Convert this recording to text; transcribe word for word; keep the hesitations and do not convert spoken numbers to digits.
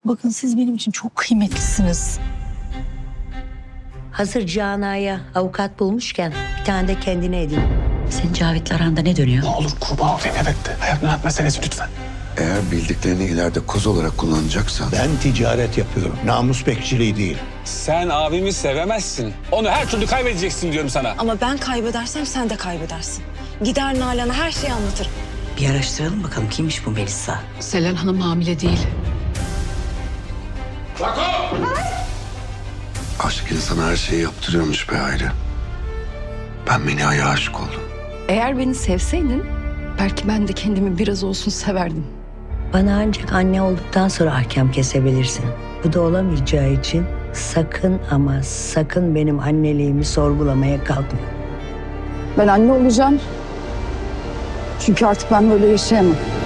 Bakın siz benim için çok kıymetlisiniz. Hazır Cana'ya avukat bulmuşken bir tane de kendine edin. Senin Cavit'le aranda ne dönüyor? Ne olur kurban olayım, evet de. Hayat memat meselesi lütfen. Eğer bildiklerini ileride koz olarak kullanacaksan... Ben ticaret yapıyorum. Namus bekçiliği değil. Sen abimi sevemezsin. Onu her türlü kaybedeceksin diyorum sana. Ama ben kaybedersem sen de kaybedersin. Gider Nalan'a her şeyi anlatırım. Bir araştıralım bakalım kimmiş bu Melisa? Selen Hanım hamile değil. Aşk insana her şeyi yaptırıyormuş be Hayri. Ben Menia'ya aşık oldum. Eğer beni sevseydin belki ben de kendimi biraz olsun severdim. Bana ancak anne olduktan sonra ahkam kesebilirsin. Bu da olamayacağı için sakın ama sakın benim anneliğimi sorgulamaya kalkma. Ben anne olacağım. Çünkü artık ben böyle yaşayamam.